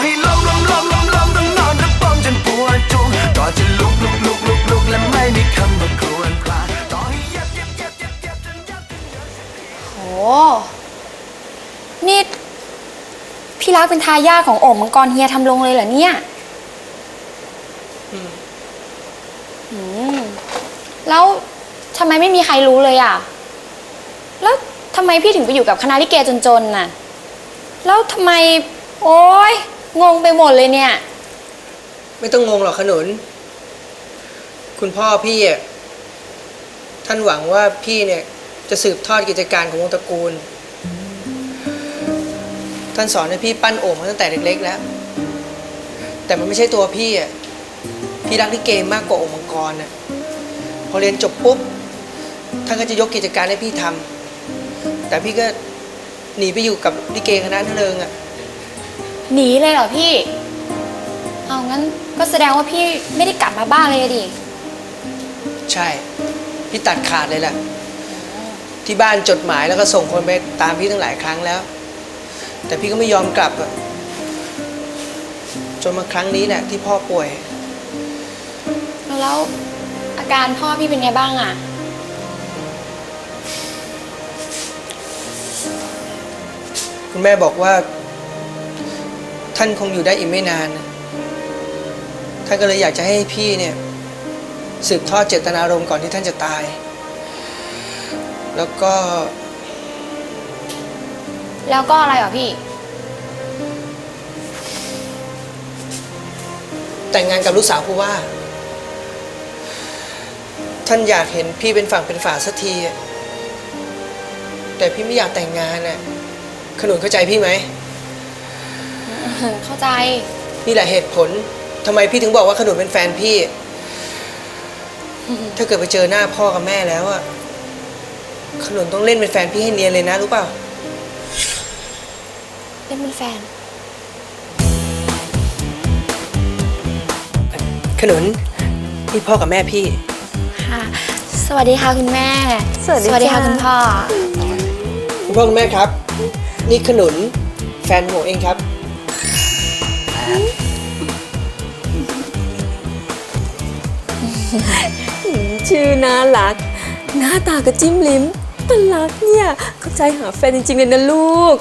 ให้ล้มต้องนอนรับปมจนปวดจุกก็จะลุกและไม่มีคำว่าควรพลาดต่อให้เย็บจนยับโหนี่พี่รักเป็นทายาทของโอ่งมังกรเฮียทำลงเลยเหรอเนี่ยแล้วทำไมไม่มีใครรู้เลยอ่ะแล้วทำไมพี่ถึงไปอยู่กับคณะลิเกจนๆน่ะแล้วทำไมโอ๊ยงงไปหมดเลยเนี่ยไม่ต้องงงหรอกขนุนคุณพ่อพี่ท่านหวังว่าพี่เนี่ยจะสืบทอดกิจการของวงตระกูลท่านสอนให้พี่ปั้นโอ่งมาตั้งแต่เล็กๆแล้วแต่มันไม่ใช่ตัวพี่พี่รักลิเกมากกว่าโอ่งมังกรน่ะพอเรียนจบปุ๊บท่านก็จะยกกิจการให้พี่ทำแต่พี่ก็หนีไปอยู่กับลิเกคณะนั่นเองหนีเลยเหรอพี่เอางั้นก็แสดงว่าพี่ไม่ได้กลับมาบ้านเลยดิใช่พี่ตัดขาดเลยแหละที่บ้านจดหมายแล้วก็ส่งคนไปตามพี่ตั้งหลายครั้งแล้วแต่พี่ก็ไม่ยอมกลับจนมาครั้งนี้แหละที่พ่อป่วยแล้วอาการพ่อพี่เป็นไงบ้างอ่ะคุณแม่บอกว่าท่านคงอยู่ได้อีกไม่นานท่านก็เลยอยากจะให้พี่เนี่ยสืบทอดเจตนารมณ์ก่อนที่ท่านจะตายแล้วก็อะไรเหรอพี่แต่งงานกับลูกสาวผู้ว่าท่านอยากเห็นพี่เป็นฝั่งเป็นฝาสักทีแต่พี่ไม่อยากแต่งงานน่ะขนุนเข้าใจพี่ไหมเข้าใจนี่แหละเหตุผลทำไมพี่ถึงบอกว่าขนุนเป็นแฟนพี่ถ้าเกิดไปเจอหน้าพ่อกับแม่แล้วอะขนุนต้องเล่นเป็นแฟนพี่ให้เนียนเลยนะรู้เปล่าเล่นเป็นแฟนขนุนนี่พ่อกับแม่พี่ค่ะสวัสดีค่ะคุณแม่สวัสดีค่ะคุณพ่อคุณพ่อคุณแม่ครับนี่ขนุนแฟนผมเองครับชื่อน่ารักหน้าตากระจิ้มลิ้มตลักเนี่ยเข้าใจหาแฟนจริงๆเลยนะลูก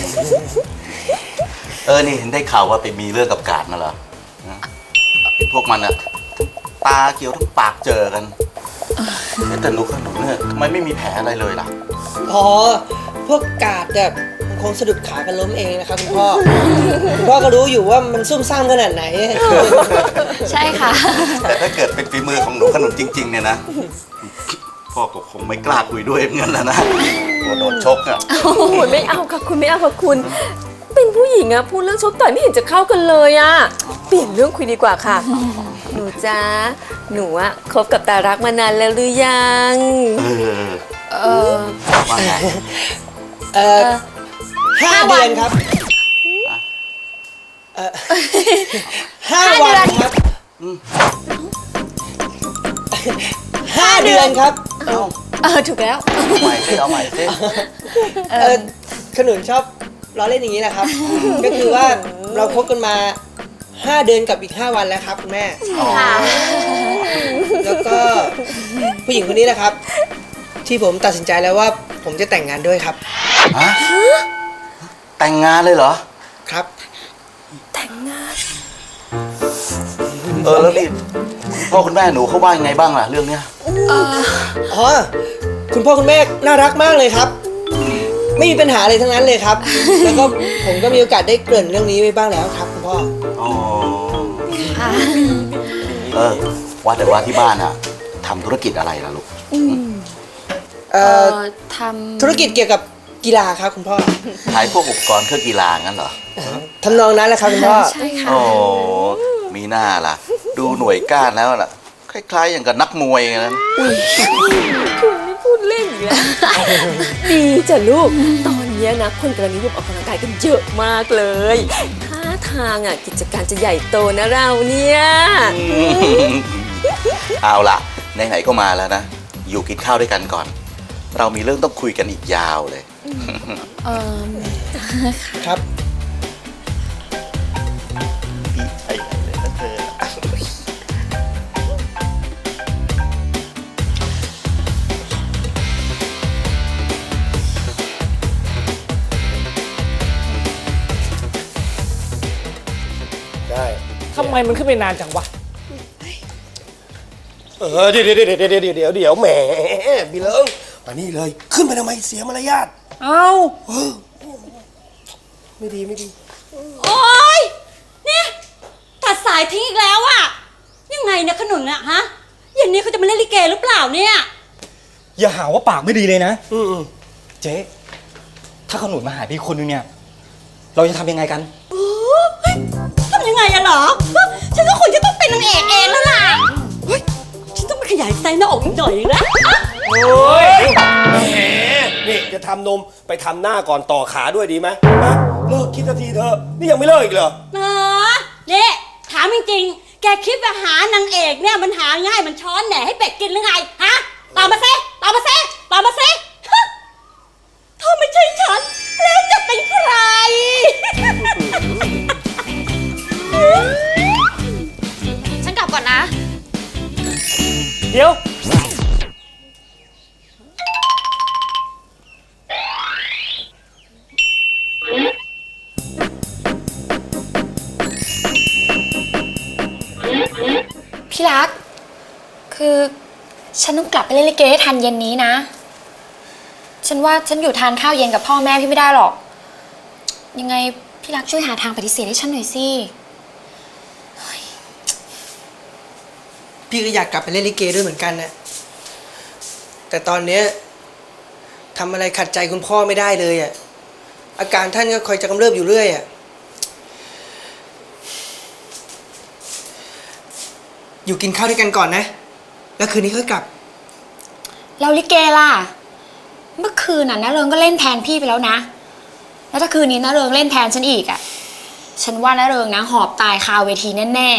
นี่เห็นได้ข่าวว่าไปมีเรื่องกับกาดมาเหรอพวกมันอะตาเขียวทั้งปากเจอกันแต่ลูกขนุนเนี่ยทำไมไม่มีแผลอะไรเลยล่ะอ๋อพวกกาดแบบคงสะดุดขากันล้มเองนะครับคุณพ่อคุณพ่อก็รู้อยู่ว่ามันซุ่มซ่ามขนาดไหนใช่ค่ะแต่ถ้าเกิดเป็นฝีมือของหนูขนุนจริงๆเนี่ยนะพ่อก็คงไม่กล้าคุยด้วยเหมือนกันแล้วนะกลัวโดนชกอะโอ้โหไม่เอาค่ะคุณไม่เอาค่ะคุณเป็นผู้หญิงอะพูดเรื่องชกต่อยไม่เห็นจะเข้ากันเลยอะเปลี่ยนเรื่องคุยดีกว่าค่ะหนูจ้าหนูอะคบกับตารักมานานแล้วหรือยังว่าไง 5 เดือนครับ5 วันครับ5 เดือนครับถูกแล้วเอาใหม่สิขนุนชอบล้อเล่นอย่างนี้แหละครับก็คือว่าเราคบกันมา5 เดือนกับอีก5 วันแล้วครับคุณแม่ค่ะแล้วก็ผู้หญิงคนนี้นะครับที่ผมตัดสินใจแล้วว่าผมจะแต่งงานด้วยครับแต่งงานเลยเหรอครับแต่งงานแล้วนี่พ่อคุณแม่หนูเขาว่ายังไงบ้างล่ะเรื่องเนี้ยคุณพ่อคุณแม่น่ารักมากเลยครับไม่มีปัญหาอะไรทั้งนั้นเลยครับแล้วก็ผมก็มีโอกาสได้เกริ่นเรื่องนี้ไว้บ้างแล้วครับคุณพ่อว่าแต่ว่าที่บ้านอะทำธุรกิจอะไรล่ะลูกทำธุรกิจเกี่ยวกับกีฬาครับคุณพ่อขายพวกอุปกรณ์เครื่องกีฬางั้นเหรอทำนองนั้นแหละครับคุณพ่อใช่ค่ะมีหน้าล่ะดูหน่วยก้านแล้วล่ะคล้ายๆอย่างกับนักมวยอย่างนั้นคุณไม่พูดเล่นอีกแล้วดีจ้ะลูกตอนนี้นะคนกำลังนิยมออกกำลังกายกันเยอะมากเลยท่าทางอ่ะกิจการจะใหญ่โตนะเราเนี่ยเอาล่ะไหนๆก็มาแล้วนะอยู่กินข้าวด้วยกันก่อนเรามีเรื่องต้องคุยกันอีกยาวเลยครับทำไมมันขึ้นไปนานจังวะเดี๋ยวแหมพี่เลิงมานี่เลย ขึ้นไปทำไมเสียมารยาทเอ้าไม่ดีไม่ดีโอ๊ยเนี่ยตัดสายทิ้งอีกแล้วอะยังไงเนี่ยขนุนอะฮะเย็นนี้เขาจะมาเล่นลิเกหรือเปล่าเนี่ยอย่าหาว่าปากไม่ดีเลยนะอืมเจ๊ ถ้าขนุนมาหาพี่คนนึงเนี่ย เราจะทำยังไงกันโอ้ยทำยังไงอะเหรอ ฉันก็คงจะต้องเป็นนางเอกเองแล้วล่ะเฮ้ยฉันต้องไปขยายไซส์หน้าอกอีกหน่อยนะโอ้ยแหมนี่จะทำนมไปทำหน้าก่อนต่อขาด้วยดีไหมฮะเลิกคิดสักทีเถอะ นี่ยังไม่เลิกอีกเหรอเนี่ยถามจริงๆ แกคิดว่าหานางเอกเนี่ยมันหาง่ายมันช้อนแหน่ให้เป็ดกินหรือไง ฮะ ตอบมาซิตอบมาซิตอบมาซิฮะถ้าไม่ใช่ฉัน แล้วจะเป็นใครฉันกลับก่อนนะเดี๋ยวพี่รัก คือฉันต้องกลับไปเล่นลิเกให้ทันเย็นนี้นะ ฉันว่าฉันอยู่ทานข้าวเย็นกับพ่อแม่พี่ไม่ได้หรอก ยังไงพี่รักช่วยหาทางปฏิเสธให้ฉันหน่อยสิพี่ก็อยากกลับไปเล่นลิเกด้วยเหมือนกันนะแต่ตอนเนี้ยทำอะไรขัดใจคุณพ่อไม่ได้เลยอ่ะอาการท่านก็คอยจะกำเริบอยู่เรื่อยอ่ะอยู่กินข้าวด้วยกันก่อนนะ แล้วคืนนี้ค่อยกลับแล้วลิเกล่ะ เมื่อคืนน่ะน้าเริงก็เล่นแทนพี่ไปแล้วนะ แล้วถ้าคืนนี้น้าเริงเล่นแทนฉันอีกอ่ะ ฉันว่าน้าเริงนะหอบตายคาเวทีแน่ๆ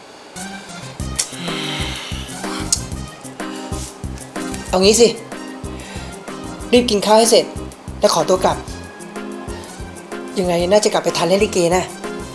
เอางี้สิ รีบกินข้าวให้เสร็จ แล้วขอตัวกลับ ยังไงน่าจะกลับไปทันเล่นลิเกนะ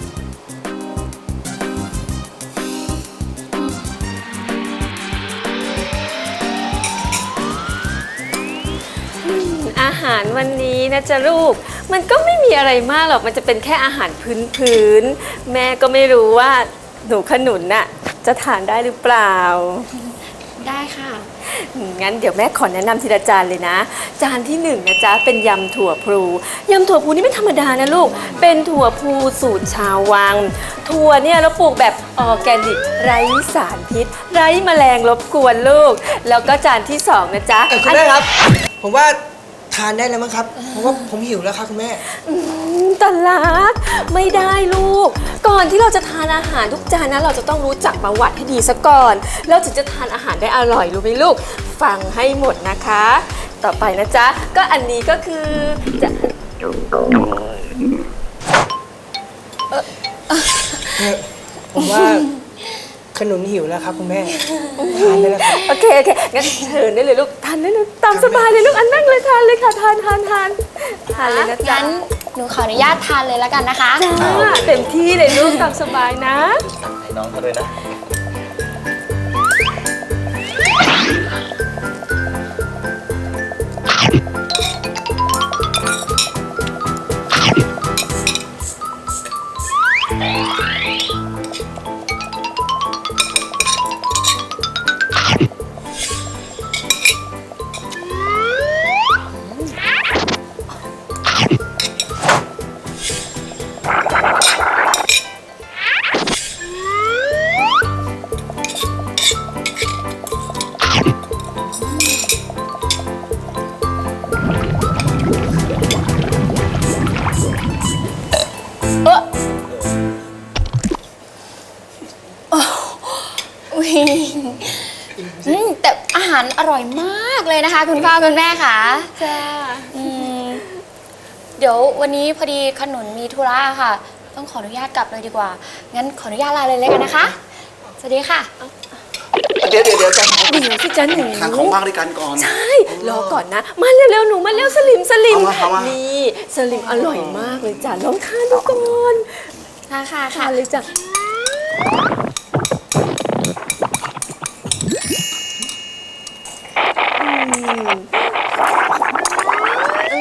อาหารวันนี้นะจ๊ะลูก มันก็ไม่มีอะไรมากหรอก มันจะเป็นแค่อาหารพื้นๆ แม่ก็ไม่รู้ว่าหนูขนุนน่ะจะทานได้หรือเปล่าได้ค่ะงั้นเดี๋ยวแม่ขอแนะนำทีละจานเลยนะ จานที่หนึ่งนะจ๊ะเป็นยำถั่วพลูยำถั่วพลูนี่ไม่ธรรมดานะลูก เป็นถั่วพลูสูตรชาววัง ถั่วเนี่ยเราปลูกแบบออร์แกนิกไร้สารพิษ ไร้แมลงรบกวนลูก แล้วก็จานที่สองนะจ๊ะคุณแม่ครับ ผมว่าทานได้แล้วมั้งครับ เพราะว่าผมหิวแล้วครับคุณแม่ตลักไม่ได้ลูก ก่อนที่เราจะทานอาหารทุกจานนะเราจะต้องรู้จักประวัติให้ดีซะก่อนแล้วถึงจะทานอาหารได้อร่อยรู้ไหมลูก ฟังให้หมดนะคะ ต่อไปนะจ๊ะก็อันนี้ก็คือจะผมว่าขนุนหิวแล้วครับคุณแม่ ทานได้แล้วครับโอเคงั้นเชิญได้เลยลูกทานได้เลยตามสบายเลยลูกอันนั่งเลยทานเลยค่ะทานเลยนะจ๊ะงั้นหนูขออนุญาตทานเลยแล้วกันนะคะจ้าเต็มที่เลยลูกตามสบายนะให้น้องเขาด้วยนะอุ๊ยแต่อาหารอร่อยมากเลยนะคะ คุณพ่อคุณแม่ค่ะจ้าเดี๋ยววันนี้พอดีขนุนมีธุระค่ะ ต้องขออนุญาตกลับเลยดีกว่า งั้นขออนุญาตลาเลยแล้วกันนะคะ สวัสดีค่ะเดี๋ยวจ้ะเดี๋ยวสิจ๊ะหนูทานของว่างด้วยกันก่อนใช่ รอก่อนนะ มาเร็วๆ หนูมาเร็วสลิมเอามานี่สลิมอร่อยมากเลยจ้ะลองทานดูก่อนค่ะค่ะทานเลยจ้ะ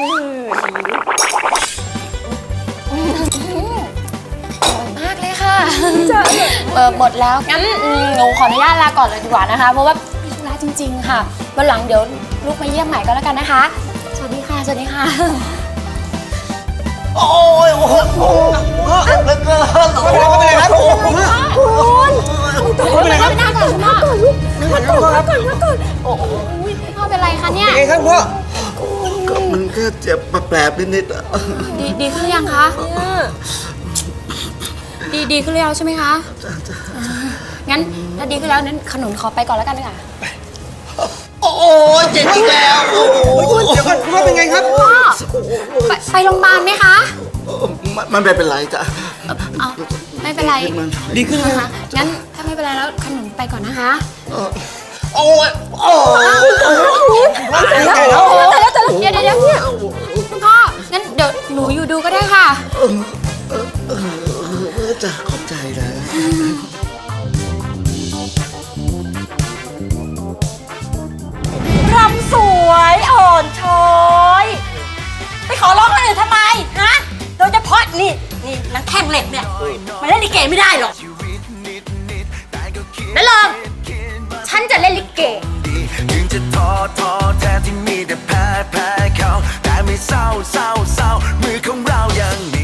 อร่อยมากเลยค่ะหมดแล้ว งั้นหนูขออนุญาตลาก่อนเลยดีกว่านะคะ เพราะว่ามีธุระจริง ๆ ค่ะ วันหลังเดี๋ยวลูกมาเยี่ยมใหม่ก็แล้วกันนะคะ สวัสดีค่ะ สวัสดีค่ะโอ้ยโอ้โหโอ้โหเหลือเกินไม่เป็นไรครับโอ้โหไม่เป็นไรครับนั่งก่อนคุณพ่อนั่งก่อนโอ้ยพ่อเป็นไรคะเนี่ยเป็นไงครับพ่อก็มันแค่เจ็บแปลบๆนิดๆอะดีขึ้นหรือยังคะดีขึ้นแล้วใช่ไหมคะงั้นถ้าดีขึ้นแล้วนั้นขนุนขอไปก่อนแล้วกันค่ะโอ้ยเจ็บอีกแล้วโอ้โหเดี๋ยวก่อนพ่อเป็นไงครับพ่อไปโรงพยาบาลไหมคะมันไม่เป็นไรจ้ะเอาไม่เป็นไรดีขึ้นไหมนะคะงั้นถ้าไม่เป็นไรแล้วขนุนไปก่อนนะคะโอ้ยโอ้ยแต่แล้วเดี๋ยวเนี่ยคุณพ่องั้นเดี๋ยวหนูอยู่ดูก็ได้ค่ะจ้ะขอบใจนะรำสวยอ่อนช้อยไปขอร้องคนอื่นทำไมฮะโดยเฉพาะนี่นังแข้งเหล็กเนี่ยมาเล่นลิเกไม่ได้หรอกแล้วลองฉันจะเล่นลิเกถึงจะท้อ